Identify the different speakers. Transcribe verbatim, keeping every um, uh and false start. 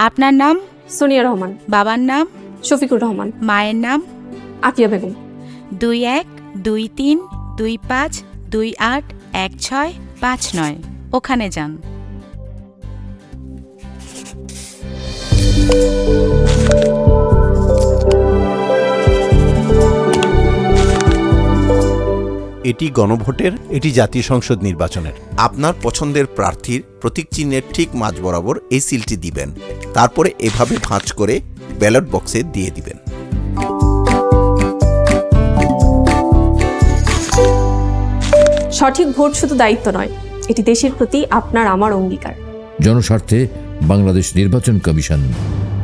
Speaker 1: আপনার নাম?
Speaker 2: সোনিয়া রহমান।
Speaker 1: বাবার নাম?
Speaker 2: শফিকুর রহমান।
Speaker 1: মায়ের নাম?
Speaker 2: আকিয়া বেগম।
Speaker 1: দুই এক দুই তিন দুই পাঁচ দুই আট এক ছয় পাঁচ নয়। ওখানে যান।
Speaker 3: এটি গণভোটের, এটি জাতীয় সংসদ নির্বাচনের।
Speaker 4: আপনার পছন্দের প্রার্থীর প্রতীক চিহ্নের ঠিক মাঝ বরাবর এই সিলটি দিবেন। তারপরে এভাবে ভাঁজ করে ব্যালট বক্সে দিয়ে দিবেন।
Speaker 2: সঠিক ভোট শুধু দায়িত্ব নয়, এটি দেশের প্রতি আপনার আমার অঙ্গীকার।
Speaker 5: জনস্বার্থে বাংলাদেশ নির্বাচন কমিশন।